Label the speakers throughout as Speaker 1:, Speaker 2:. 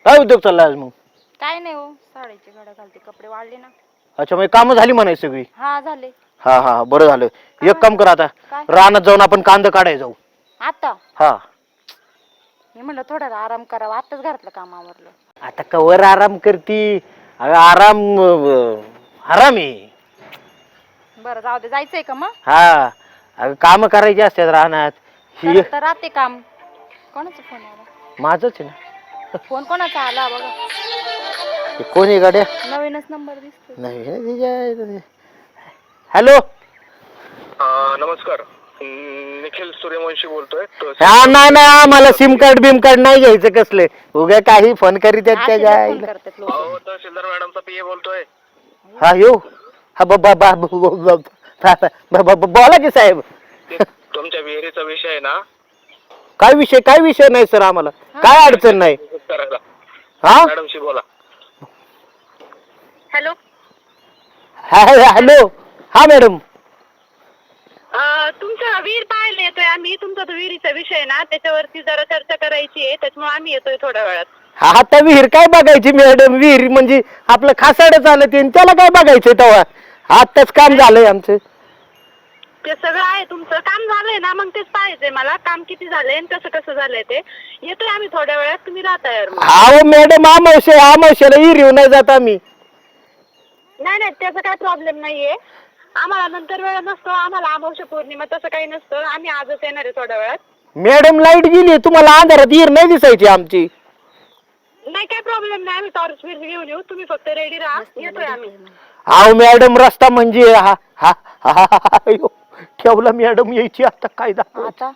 Speaker 1: काय उद्योग चालला आज मग?
Speaker 2: काय नाही हो, साडीची घडा घालते, कपडे वाळले ना.
Speaker 1: अच्छा, मग कामं झाली म्हणायची सगळी?
Speaker 2: हा झाले.
Speaker 1: हा हा बरं झालं. एक काम कर आता,
Speaker 2: काय?
Speaker 1: रानात जाऊन आपण कांदा काढाय जाऊ.
Speaker 2: आता
Speaker 1: हा
Speaker 2: मी म्हणलं थोडा आराम करावा, आताच घरातलं काम आवरलं.
Speaker 1: आता कवर आराम करती? अगं आराम आराम आहे.
Speaker 2: बरं जाऊ दे, जायचंय का मग?
Speaker 1: हा अगं काम करायची असतात रानात. ही
Speaker 2: तर राहते काम. कोणाचा फोन आला?
Speaker 1: माझच आहे ना.
Speaker 2: फोन कोणाचा आला बघा.
Speaker 1: हे कोण आहे गाड्या?
Speaker 2: नवीनच नंबर दिसतो.
Speaker 1: नाही. हॅलो,
Speaker 3: नमस्कार. निखिल सूर्यवंशी बोलतोय.
Speaker 1: हा नाही आम्हाला सिम कार्ड बिम कार्ड नाही घ्यायचं कसले. उगा काही फोन करीत आहेत
Speaker 2: असे
Speaker 1: त्या
Speaker 2: फोन करतात लोक.
Speaker 3: तहसीलदार मॅडमचा पीए बोलतोय.
Speaker 1: हा येऊ. हा बोला की साहेब.
Speaker 3: तुमच्या विहिरीचा विषय आहे ना?
Speaker 1: काय विषय नाही सर, आम्हाला काय अडचण नाही.
Speaker 3: करायला
Speaker 1: हा
Speaker 3: मॅडमशी बोला.
Speaker 2: Hello,
Speaker 1: hello. हा मॅडम,
Speaker 4: तुमचा विहीर पाहायला येतोय आम्ही. तुमचा तो विहिरीचा विषय आहे ना, त्याच्यावरती जरा चर्चा करायची आहे, त्याच्यामुळे आम्ही येतोय थोड्या वेळात.
Speaker 1: हा आता विहीर काय बघायची मॅडम? विहीर म्हणजे आपलं खासाड चालत आहे, त्याला काय बघायचं तेव्हा? आताच काम झालंय आमचं.
Speaker 4: ते सगळं आहे, तुमचं काम झालंय ना, मग तेच पाहायचंय मला. काम किती झालंय आणि कसं झालंय ते. येतोय आम्ही थोड्या वेळात, तुम्ही राहता यार.
Speaker 1: अहो मॅडम, आमावश्याला विहीर येऊ नाही जात आम्ही.
Speaker 4: नाही त्याचा काय प्रॉब्लेम नाहीये. आम्हाला नंतर वेळ नसतो, आम्हाला अमावस्या पौर्णिमा तसं काही नसतं. आम्ही आजच येणार आहे थोड्या वेळात.
Speaker 1: मॅडम लाईट गेली, तुम्हाला अंधारात विहीर नाही दिसायची आमची.
Speaker 4: नाही काय प्रॉब्लेम नाही, आम्ही टॉर्च विहीर घेऊन येऊ. तुम्ही फक्त रेडी राहा, येतोय आम्ही.
Speaker 1: अहो मॅडम, रस्ता म्हणजे ठेवला मॅडम, यायची आता काय
Speaker 2: आता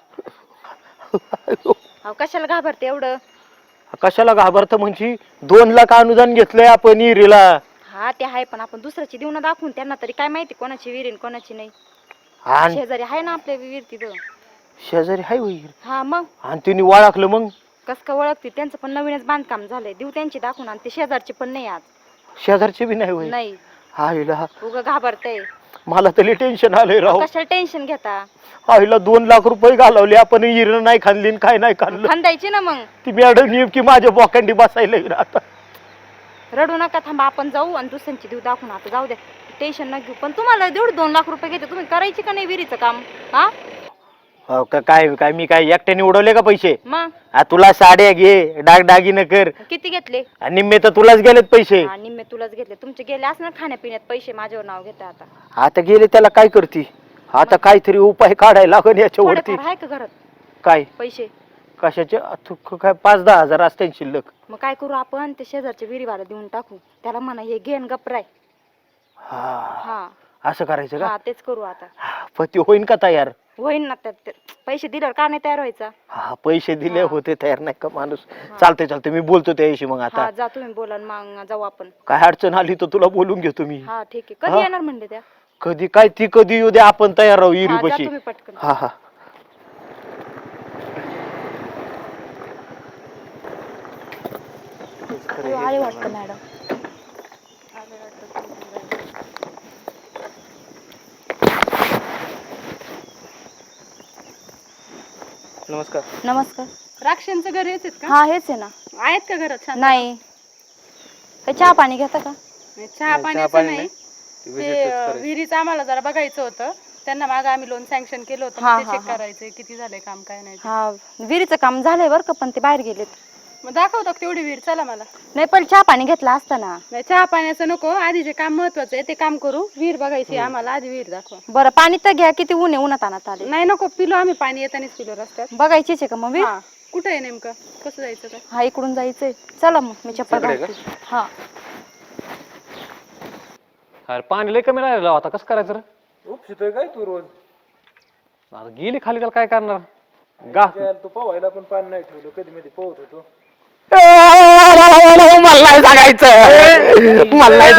Speaker 2: कशाला घाबरते एवढं?
Speaker 1: कशाला घाबरत म्हणजे? 2 लाख अनुदान घेतलंय आपण विहिरीला.
Speaker 2: हा ते आहे, पण आपण दुसऱ्याची देऊन दाखवून त्यांना तरी काय माहिती कोणाची विहीर कोणाची नाही.
Speaker 1: आणि
Speaker 2: शेजारी आहे ना आपल्या विहीर तिथं.
Speaker 1: शेजारी हाय विहीर?
Speaker 2: हा मग
Speaker 1: आणि तिने ओळखलं मग?
Speaker 2: कस का ओळखते? त्यांचं पण नवीनच बांधकाम झालंय, देऊ त्यांची दाखवून. आणि ते शेजारचे पण नाही आज.
Speaker 1: शेजारचे बी नाही होईल?
Speaker 2: नाही.
Speaker 1: आईला
Speaker 2: उगा घाबरतय.
Speaker 1: मला तरी टेन्शन आलंय राव.
Speaker 2: कशाला टेन्शन घेता?
Speaker 1: आईला 2 लाख रुपये घालवले आपण, विहीर नाही खाल्ली काय नाही खाल्लं.
Speaker 2: खांदायची ना मग.
Speaker 1: ती मॅडम नेमकी माझ्या बोकांडी बसायला येईल आता.
Speaker 2: रडू नका, थांबा, आपण जाऊ आणि दुसऱ्यांची देऊ दाखवून. आता जाऊ द्या, टेन्शन न घेऊ. पण तुम्हाला 2 लाख रुपये घेते, तुम्ही करायची का नाही विहिरीचं काम? हा
Speaker 1: हो का? काय मी काय एकट्याने उडवले का पैसे?
Speaker 2: मग
Speaker 1: तुला साड्या घे, दागिने कर.
Speaker 2: किती घेतले?
Speaker 1: आणि निम्मे तर तुलाच गेलेत पैसे.
Speaker 2: निम्मे तुलाच घेतले. तुमचे गेले असणार खाण्यापिण्यात पैसे, माझ्यावर नाव घेता आता.
Speaker 1: आता गेले त्याला काय करती? आता काहीतरी उपाय काढायला लागेल याच्यावरती.
Speaker 2: थोडेफार आहे का घरात
Speaker 1: काय
Speaker 2: पैसे?
Speaker 1: कशाचे? काय 5-10 हजार असते शिल्लक.
Speaker 2: मग काय करू आपण? ते शेजारच्या विहिरीवाला देऊन टाकू. त्याला म्हणा हे घेन गपराय. हा
Speaker 1: असं करायचं का?
Speaker 2: हा तेच करू आता.
Speaker 1: पण ते होईन का तयार?
Speaker 2: होईन ना. त्यात पैसे दिल्यावर का नाही तयार व्हायचा?
Speaker 1: हा पैसे दिले होते तयार नाही का माणूस? चालते मी बोलतो त्याशी मग. आता
Speaker 2: हा जा तुम्ही बोला, मग जाऊ आपण.
Speaker 1: काय अडचण आली तर तुला बोलून घेतो मी.
Speaker 2: हा ठीक आहे. कधी येणार म्हणले त्या?
Speaker 1: कधी काय ती कधी येऊ दे, आपण तयार राहू
Speaker 2: हा, जा
Speaker 1: विहिरीपाशी.
Speaker 2: तुम्ही पटकन.
Speaker 1: हा
Speaker 2: आले वाटतं मॅडम.
Speaker 1: नमस्कार.
Speaker 2: नमस्कार.
Speaker 5: राक्षांचं घर हेच आहेत का?
Speaker 2: हा हेच आहे ना.
Speaker 5: आहेत का घरात? छान.
Speaker 2: नाही. हे चहा पाणी घेता का?
Speaker 5: चहा पाण्याचं नाही, ते विहिरीचं आम्हाला जरा बघायचं होतं. त्यांना मागं आम्ही लोन सँक्शन केलं होतं,
Speaker 2: हा,
Speaker 5: मग ते
Speaker 2: हा,
Speaker 5: चेक करायचंय किती झालंय काम काय नाही ते.
Speaker 2: हा विहिरीचं काम झालंय बरं का, पण ते बाहेर गेलेत.
Speaker 5: मग दाखवतो का तेवढी विहीर? चला मला.
Speaker 2: नाही पण चहा पाणी घेतला असता ना.
Speaker 5: नाही चहा पाण्याचं नको, आधी जे काम महत्वाचं आहे ते काम करू. विहीर बघायची आहे आम्हाला, आधी विहीर दाखवा.
Speaker 2: बरं पाणी तर घ्या. किती ऊन आहे, उन्हात आणत आले.
Speaker 5: नाही नको, पिलो आम्ही पाणी येतानाच पिलो रस्त्यात.
Speaker 2: बघायचीच आहे का मग विहीर?
Speaker 5: हा कुठे आहे नेमकं, कसं जायचं काय?
Speaker 2: हा इकडून जायचंय. चला मग मी चप्पल घालते. हा
Speaker 6: अरे पाणी लय कमी राहिलं आता, कसं करायचं रे?
Speaker 7: उपशितोय काय तू रोज?
Speaker 6: आता गेली खाली, त्याला काय करणार? गा
Speaker 7: तू पोहायला पण पाणी नाही ठेवलं, कधी मध्ये पोहत होतो.
Speaker 1: मला नाही सांगायचं, मला नाही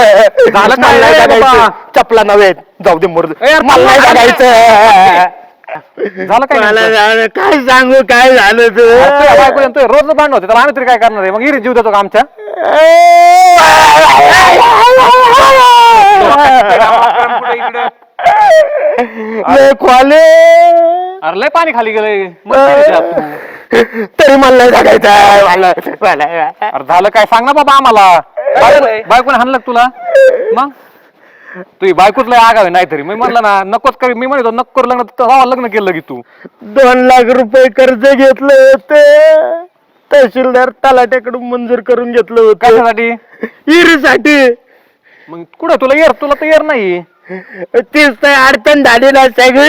Speaker 1: सांगायचं, चपला नव्हे, जाऊ दे मुर्द. मला नाही सांगायचं.
Speaker 6: झालं काय
Speaker 1: मला
Speaker 6: नेमकं?
Speaker 1: झालं, काय सांगू काय झालं
Speaker 6: तुझ्या बायको
Speaker 1: तू
Speaker 6: आणि तुझं रोज भांडण होते तर आम्ही तरी काय करणार आहे? मग इरी जीव देतो का आमच्या?
Speaker 7: कुठे इकडे
Speaker 1: खोले
Speaker 6: अरे लय पाणी खाली गेलंय मग काय त्याच्यात तू?
Speaker 1: तरी मला नाही सांगायचं मला
Speaker 6: अरे झालं काय सांग ना बाबा आम्हाला. बायकोने हाणलं का तुला? मग तुझी बायकोच लय आगाव आहे नाहीतरी. मी म्हणलं ना नकोच करी, मी म्हणतो नको करू लग्न, तेव्हा लग्न केलं की तू.
Speaker 1: 2 लाख रुपये कर्ज घेतलं होतं तहसीलदार तलाट्याकडून मंजूर करून घेतलं होतं
Speaker 6: कशासाठी?
Speaker 1: हिरीसाठी.
Speaker 6: मग कुठं तुला तर येर नाही.
Speaker 1: तीच तर अडचण झालेला सगळी.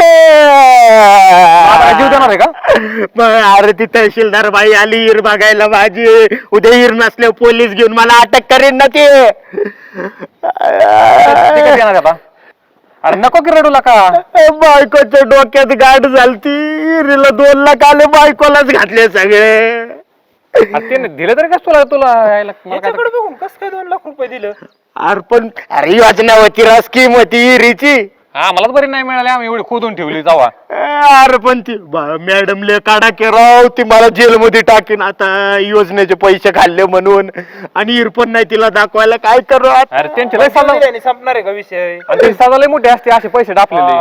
Speaker 6: आता जीव देणार आहे का?
Speaker 1: मग अरे ती तहसीलदार बाई आली हिर बघायला माझी. उद्या हिर नसल्यावर पोलीस घेऊन मला अटक करेन ना ते.
Speaker 6: ते कधी येणार आहे आता? अरे नको की रडूला का?
Speaker 1: बायकोच्या डोक्यात गाठ झालती. हिरीला 2 लाख आले, बायकोलाच घातले सगळे.
Speaker 6: अरे ते दिले तरी कस तुला यायला? मला काय
Speaker 7: याच्याकडे बघून कसं काय 2 लाख रुपये दिलं?
Speaker 1: अरे योजना होती, स्कीम होती हिरीची.
Speaker 6: हा मलाच बरी नाही मिळाली, आम्ही एवढी खोदून ठेवली जावा.
Speaker 1: अरे पण ती मॅडम ले काढा की राव, ती मला जेलमध्ये टाकीन आता योजनेचे पैसे खाल्ले म्हणून. आणि हिर पण नाही तिला दाखवायला, काय करू आता?
Speaker 6: अरे त्यांचे लय साधा
Speaker 7: दिल्याने संपणार आहे का विषय?
Speaker 6: आणि ते साधा लय मोठे असते असे पैसे टाकलेले.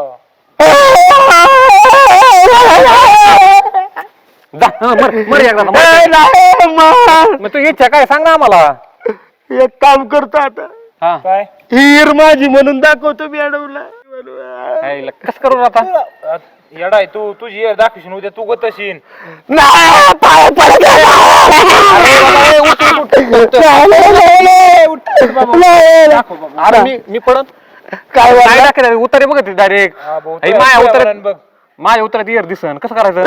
Speaker 6: जा मर एकदा मर. मग तू इच्छा काय सांग ना आम्हाला.
Speaker 1: एक काम करतो आता,
Speaker 6: हा
Speaker 7: काय
Speaker 1: हिर माझी म्हणून दाखवतो मॅडमला.
Speaker 6: कस करू आता?
Speaker 7: येडा आहे तू, तुझी ये दाखवशील उद्या तू गतशील.
Speaker 1: नाही, पाया पडत
Speaker 6: अरे मी पडत
Speaker 1: काय
Speaker 6: काय टाकलं उतारे बघ डायरेक्ट.
Speaker 7: हा, भाऊ,
Speaker 6: माझ्या
Speaker 7: तुझ्या
Speaker 6: उतरत
Speaker 7: वरान बघ.
Speaker 6: माझ्या उतरात इयर दिसन कसं करायचं?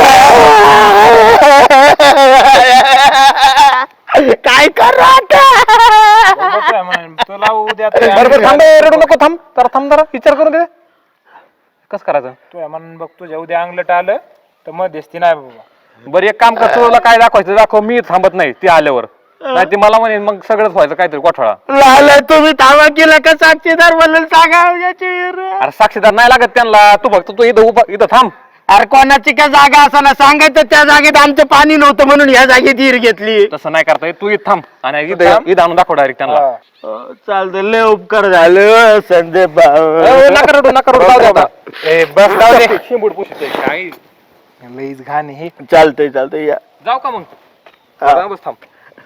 Speaker 1: काय करू आता?
Speaker 7: बघ काय म्हणाल, तुला उद्या
Speaker 6: बरोबर थांब रडू नको, थांब जरा विचार करून दे कसं करायचं.
Speaker 7: तुझ्या म्हणून बघ, तुझ्या उद्या अंगलट आलं तर मध्यस्थी नाही बाबा.
Speaker 6: बरं एक काम कर, तुला काय दाखवायचं दाखव, मी थांबत नाही ती आल्यावर. नाही ती मला म्हणे मग सगळंच व्हायचं काहीतरी गोठळा.
Speaker 1: लाला तुम्ही थांबा केला का साक्षीदार म्हणून सांगा याची हिर.
Speaker 6: अरे साक्षीदार नाही लागत त्यांना, तू फक्त तू इथं थांब.
Speaker 1: अरे कोणाची काय जागा असताना सांगायचं, त्या जागेत आमचं पाणी नव्हतं म्हणून ह्या जागेत हिर घेतली.
Speaker 6: तसं नाही करता येत, तू इथं थांब आणि इथं आणून दाखव डायरेक्ट त्यांना.
Speaker 1: चालतं, लय उपकार झालं संदीप भाऊ.
Speaker 6: नका रडू जाऊ दे आता.
Speaker 1: बस जाऊ दे.
Speaker 6: शिंबूड पुशीत काय
Speaker 7: लईच घाण आहे हे.
Speaker 1: चालतंय या.
Speaker 6: जाऊ का मग?
Speaker 1: हा.
Speaker 6: बस थांब.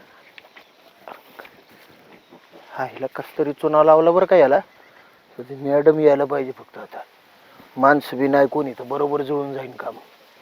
Speaker 1: हा हिला कस तरी चुना लावला बरं का याला. मॅडम यायला पाहिजे फक्त आता. माणसं बी नाही कोणी, तर बरोबर जुळून जाईन काम.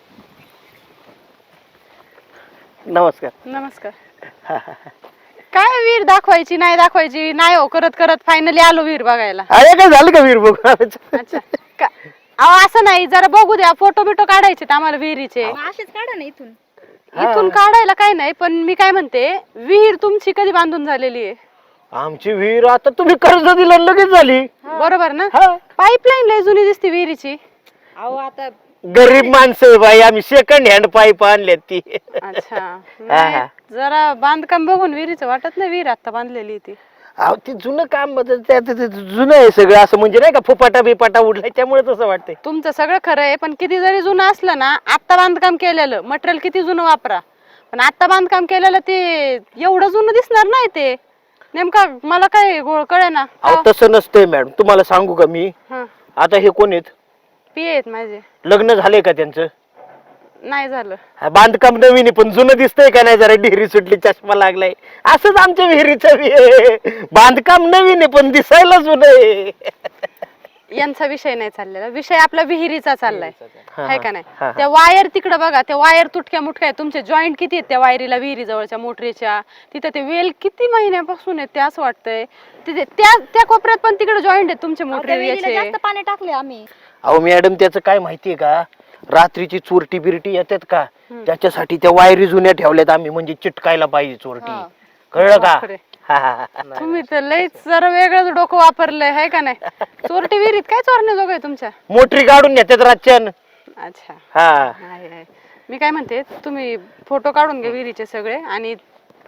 Speaker 1: नमस्कार.
Speaker 5: नमस्कार. काय विहीर दाखवायची नाही दाखवायची नाही हो करत करत फायनली आलो विहीर बघायला.
Speaker 1: अरे काय झालं का वीर बघ?
Speaker 5: अच्छा अहो असं नाही, जरा बघू द्या, फोटो बिटो काढायचे आम्हाला विहिरीचे.
Speaker 2: असेच काढा ना इथून.
Speaker 5: इथून काढायला काय नाही, पण मी काय म्हणते, विहीर तुमची कधी बांधून झालेली आहे?
Speaker 1: आमची विहीर आता तुम्ही कर्ज दिलं लगेच झाली.
Speaker 5: बरोबर ना?
Speaker 1: हा.
Speaker 5: पाईपलाईन लय जुनी दिसते विहिरीची.
Speaker 2: अहो आता
Speaker 1: गरीब माणसं बाई, आम्ही सेकंड हँड पाईप आणल्यात ती.
Speaker 5: अच्छा नाही, जरा बांधकाम बघून विहिरीचं वाटत नाही विहीर आता बांधलेली ती.
Speaker 1: अहो ती जुनं काम जुनं आहे सगळं, असं म्हणजे नाही का फुपाटा बिपाटा उडलाय त्यामुळे तसं वाटतंय.
Speaker 5: तुमचं सगळं खरं आहे, पण किती जरी जुनं असलं ना, आत्ता बांधकाम केलेलं मटेरियल किती जुनं वापरा, पण आत्ता बांधकाम केलेलं ते एवढं जुनं दिसणार नाही. ते नेमका मला काय कळे ना.
Speaker 1: अहो तसं नसतंय मॅडम, तुम्हाला सांगू का मी. आता हे कोण आहेत?
Speaker 5: पिये आहेत माझे.
Speaker 1: लग्न झालंय का त्यांचं?
Speaker 5: नाही झालं.
Speaker 1: बांधकाम नवीन आहे पण जुनं दिसतंय का नाही? जरा डिहरी सुटली, चष्मा लागलाय. असंच आमच्या विहिरीचं बांधकाम नवीन आहे पण दिसायला जुनं आहे.
Speaker 5: यांचा विषय नाही चाललेला, विषय आपला विहिरीचा चाललाय, आहे का नाही?
Speaker 1: हा.
Speaker 5: त्या वायर तिकडे बघा, त्या वायर तुटक्या मुटक्या आहेत. तुमचे जॉईंट किती आहेत त्या वायरीला, विहिरी जवळच्या मोटरीच्या तिथे? ते वेल किती महिन्यापासून आहेत ते असं वाटतंय. तिथे त्या कोपऱ्यात पण तिकडे जॉईंट आहेत तुमचे मोटरी.
Speaker 2: जास्त पाणी टाकले आम्ही.
Speaker 1: अहो मॅडम त्याचं काय माहितीये का, रात्रीची चोरटी बिरटी येतात का, त्याच्यासाठी त्या वायरी जुन्या ठेवल्यात आम्ही, म्हणजे चिटकायला पाहिजे चोरटी. कळलं का?
Speaker 5: तुम्ही तर लयच जरा वेगळंच डोकं वापरलंय, आहे का नाही? चोरटी विहिरीत काय चोरण्याजोग आहे तुमच्या?
Speaker 1: मोटरी काढून नेतात रातच्यान.
Speaker 5: अच्छा
Speaker 1: हा.
Speaker 5: आहे. मी काय म्हणते, तुम्ही फोटो काढून घ्या विहिरीचे सगळे आणि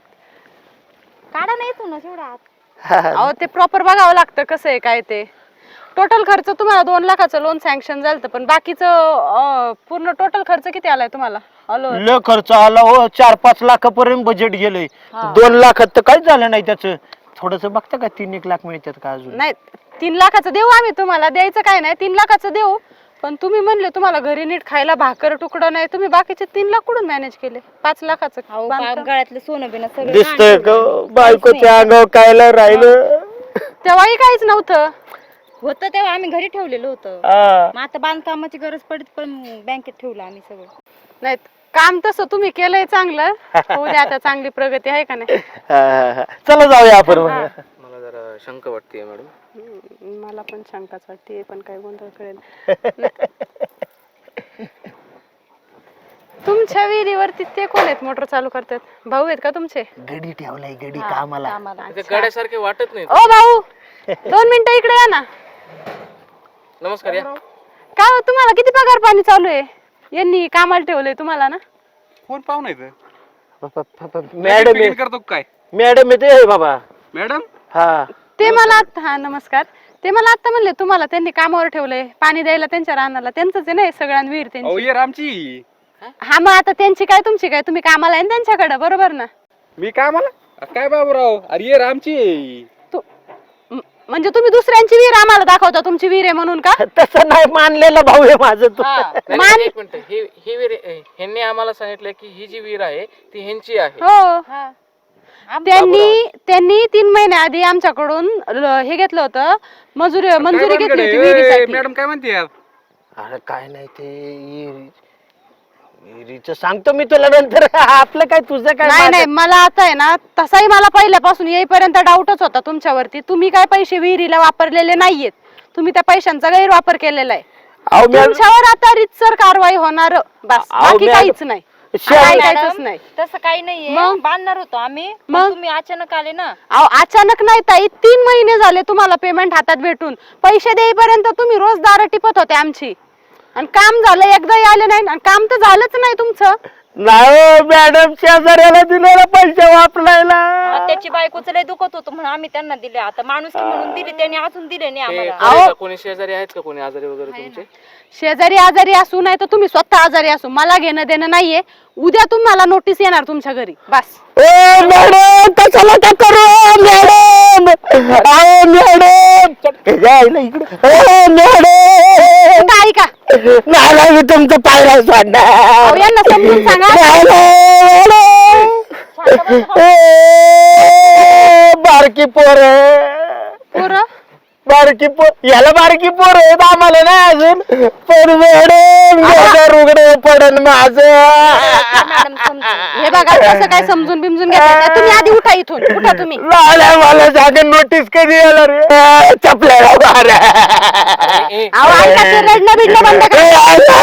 Speaker 2: काढा ना इथूनच एवढा आत.
Speaker 5: अहो ते प्रॉपर बघावं लागतं कसं आहे काय ते. टोटल खर्च तुम्हाला 2 लाखाचं लोन सँक्शन झालं होतं, पण बाकीचं पूर्ण टोटल खर्च किती आलाय तुम्हाला ऑल ओव्हर?
Speaker 1: लय खर्च आला हो, 4-5 लाखापर्यंत बजेट गेलंय. 2 लाखात तर काहीच झालं नाही त्याचं. थोडस बघता का 3-1 लाख मिळतात का अजून?
Speaker 5: नाही 3 लाखाचं देऊ आम्ही तुम्हाला, द्यायचं काय नाही, 3 लाखाचं देऊ. पण तुम्ही म्हणले तुम्हाला घरी नीट खायला भाकर तुकडं नाही, तुम्ही बाकीचे 3 लाख कुठून मॅनेज केले? 5 लाखाचं
Speaker 2: अहो
Speaker 5: बांधकाम.
Speaker 2: गळ्यातलं सोनं बिनं सगळं
Speaker 1: दिसतंय
Speaker 2: गहाण ठेवलंय.
Speaker 1: बायकोच्या अंगावर कायला राहिलं.
Speaker 5: तेव्हाही काहीच नव्हतं.
Speaker 2: होतं तेव्हा आम्ही घरी ठेवलेलं होतं.
Speaker 1: हा.
Speaker 2: मग आता बांधकामाची गरज पडत पण बँकेत ठेवलं आम्ही सगळं.
Speaker 5: नाही काम तसं तुम्ही केलंय चांगलं, उद्या आता चांगली प्रगती आहे का नाही?
Speaker 1: हा. चला जाऊया आपण मग.
Speaker 3: मला जरा शंका वाटते मॅडम.
Speaker 5: मला पण शंकाच वाटते, पण काय गोंधळ कळेल. तुमच्या विहिरीवरती ते कोण आहेत मोटर चालू करतात? भाऊ आहेत का तुमचे?
Speaker 1: गडी ठेवलाय गडी कामाला.
Speaker 3: गाड्यासारखे वाटत नाही.
Speaker 5: ओ भाऊ 2 मिनिटं इकडे या ना.
Speaker 3: नमस्कार या.
Speaker 5: काय हो, तुम्हाला किती पगार पाणी चालू आहे? यांनी कामाला ठेवलंय तुम्हाला ना?
Speaker 6: कोण पाहुणा येतं?
Speaker 1: मॅडम आहे.
Speaker 6: करतो काय
Speaker 1: मॅडम आहे ते बाबा.
Speaker 6: मॅडम?
Speaker 1: हा.
Speaker 5: ते मला हा नमस्कार. ते मला आता म्हणले तुम्हाला त्यांनी कामावर ठेवलंय पाणी द्यायला त्यांच्या रानाला. त्यांचंच आहे ना सगळ्यांना विहीर त्यांची.
Speaker 6: अहो ये रामची.
Speaker 5: हा मग आता त्यांची काय तुमची काय? तुम्ही कामाला आहे ना त्यांच्याकडे, बरोबर ना?
Speaker 6: मी कामाला? काय बाबूराव, अरे ये रामची.
Speaker 5: म्हणजे तुम्ही दुसऱ्यांची विहीर आम्हाला दाखवता तुमची विहीर आहे म्हणून का?
Speaker 1: तसं नाही मानलेला भाऊ आहे माझं तू.
Speaker 5: मान
Speaker 3: एक मिनिट, ही विहीर ह्यांनी आम्हाला सांगितलं की ही जी विहीर आहे ती ह्यांची आहे.
Speaker 5: हो त्यांनी 3 महिन्याआधी आमच्याकडून हे घेतलं होतं, मंजुरी घेतली होती विहिरीसाठी.
Speaker 6: मॅडम काय म्हणते?
Speaker 1: अरे काय नाही ते विहिरीचं सांगतो मी तुला नंतर. आपलं काय तुझं काय?
Speaker 5: नाही नाही मला आता आहे ना, तसाही मला पहिल्यापासून येईपर्यंत डाऊटच होता तुमच्यावरती. तुम्ही काय पैसे विहिरीला वापरलेले नाहीयेत, तुम्ही त्या पैशांचा गैरवापर केलेला आहे.
Speaker 1: अहो, मॅडम-
Speaker 5: तुमच्यावर आता रीतसर कारवाई होणार, बस बाकी काहीच नाही. ऐकायचंच नाही.
Speaker 2: तसं काही नाहीये.
Speaker 5: मग?
Speaker 2: बांधणार होतो आम्ही,
Speaker 5: मग?
Speaker 2: पण तुम्ही अचानक आले ना.
Speaker 5: अहो अचानक नाही ताई, 3 महिने झाले तुम्हाला पेमेंट हातात भेटून. पैसे देईपर्यंत तुम्ही रोज दारं टिपत होते आमची, आणि काम झालं एकदाही आले नाही, आणि काम तर झालंच नाही तुमचं.
Speaker 1: नाही मॅडम, शेजाऱ्याला दिलेला पैसे वापरायला.
Speaker 2: त्याची बायकोचं लय दुखत होतं म्हणून आम्ही त्यांना दिले. आता माणूस म्हणून दिले, त्यांनी अजून दिले नाही आम्हाला.
Speaker 5: अहो
Speaker 3: कोणी शेजारी आहेत का, कोणी आजारी वगैरे तुमचे?
Speaker 5: शेजारी आजारी असू नाही तर तुम्ही स्वतः आजारी असू, मला घेणं देणं नाहीये. उद्या तुम्हाला नोटीस येणार तुमच्या घरी, बस.
Speaker 1: ओ मॅडम, कशाला का करू मॅडम? अहो मॅडम, जायला इकडे. ओ मॅडम,
Speaker 5: काय का
Speaker 1: नाही मी तुमचं पायला
Speaker 5: अहो,
Speaker 1: सोडणार.
Speaker 5: यांना समजून सांगा.
Speaker 1: बारकी पोर
Speaker 5: पोरं
Speaker 1: बारकी पोर, याला बारकी पोर आहेत, आम्हाला नाही अजून. पण मॅडम रुगडे पडन माझं.
Speaker 2: मॅडम समजून.
Speaker 5: हे बघा कसं काय समजून बिमजून घेतात. तुम्ही आधी उठा इथून, उठा तुम्ही.
Speaker 1: लाल्या मला सांग नोटीस कधी येणार रे? चपल्याला मारा.
Speaker 5: अहो ऐका, ते रडणं बिडणं बंद करा.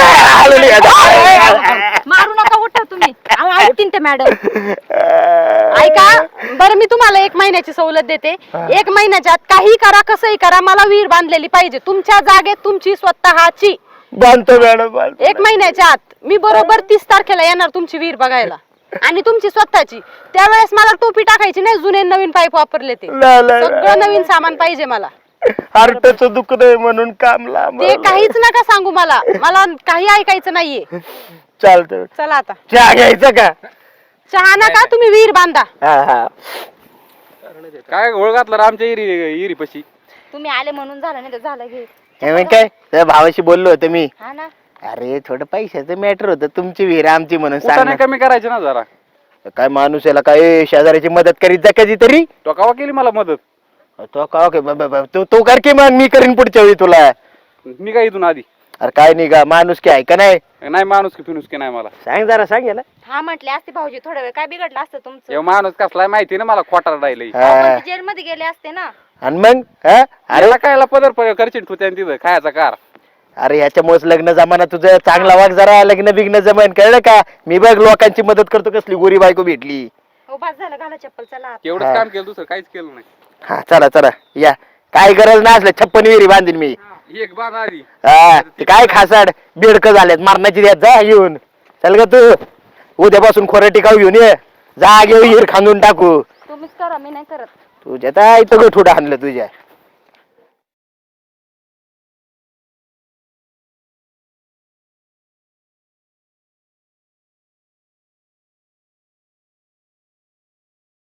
Speaker 2: मारू नका, उठा तुम्ही. अहो, ऐकतील ते मॅडम.
Speaker 5: ऐका बरं, मी तुम्हाला 1 महिन्याची सवलत देते. 1 महिन्याच्या आत काही करा, कसंही करा, मला विहीर बांधलेली पाहिजे तुमच्या जागेत, तुमची स्वतःची.
Speaker 1: बांधतो मॅडम.
Speaker 5: 1 महिन्याच्या आत मी बरोबर 30 तारखेला येणार तुमची विहीर बघायला, आणि तुमची स्वतःची. त्यावेळेस मला टोपी टाकायची नाही, जुने नवीन पाईप वापरले ते. सगळं नवीन सामान पाहिजे मला.
Speaker 1: हार्टचं दुःख नाही म्हणून काम लांब.
Speaker 5: ते काहीच नका सांगू मला, मला काही ऐकायचं नाहीये.
Speaker 1: चालतं.
Speaker 5: चला आता.
Speaker 1: चहा घ्यायचं का?
Speaker 5: चहा नका, तुम्ही विहीर बांधा.
Speaker 1: हा.
Speaker 6: काय घोळ घातला रामच्या इरी पशी?
Speaker 2: तुम्ही आले म्हणून झालं, नाही तर झालं घे.
Speaker 1: हे मग काय, त्या भावाशी बोललो होतो मी.
Speaker 2: हा ना.
Speaker 1: अरे थोडं पैशाचं मॅटर होतं, तुमची विहीर आमची म्हणून
Speaker 6: कुठं
Speaker 1: सांग
Speaker 6: नाही कमी करायचे ना जरा?
Speaker 1: काय माणूस याला काय शेजाऱ्याची मदत करीत जा कधीतरी.
Speaker 6: तो कवा केली मला मदत?
Speaker 1: तो का तू कर की, मग मी करीन पुढच्या वेळी तुला.
Speaker 6: मी काय इथून आधी?
Speaker 1: अरे काय नाही का, माणूस की आहे का नाही?
Speaker 6: नाही माणूस की फिनुस की नाही मला.
Speaker 1: सांग जरा, सांग याला.
Speaker 2: हा म्हटले असते भाऊजी, थोडा वेळ काय बिघडलं असतं तुमचं?
Speaker 6: हे माणूस कसलाय माहिती ना मला, खोटार राहिलंय.
Speaker 1: हा.
Speaker 2: जेलमध्ये गेले असते ना.
Speaker 1: आणि मग हा?
Speaker 6: अरे कायला पदर करशील तू त्याने तिथं खायचा कार?
Speaker 1: अरे ह्याच्यामुळेच लग्न जमाना तुझं चांगला वाग जरा, लग्न बिग्न जमान, कळलं का? मी बघ लोकांची मदत करतो, कसली गोरी बायको भेटली.
Speaker 2: हो बस झालं, घाला चप्पल, चला आता.
Speaker 6: एवढंच काम केलं, दुसरं काहीच केलं नाही.
Speaker 1: हा चला चला या. काय गरज नाही असलं 56 विहिरी बांधीन मी.
Speaker 6: एक बाण आधी.
Speaker 1: हा ते काय खासाड बेडक झालेत, मारण्याची द्या जा घेऊन. चल ग तू, उद्यापासून खोरं टिकाव घेऊन ये. जा घेऊ विहीर खांदून टाकू.
Speaker 2: तुम्हीच करा, मी नाही करत.
Speaker 1: तुझ्या तर इथं गोठुडं आणलं तुझ्या.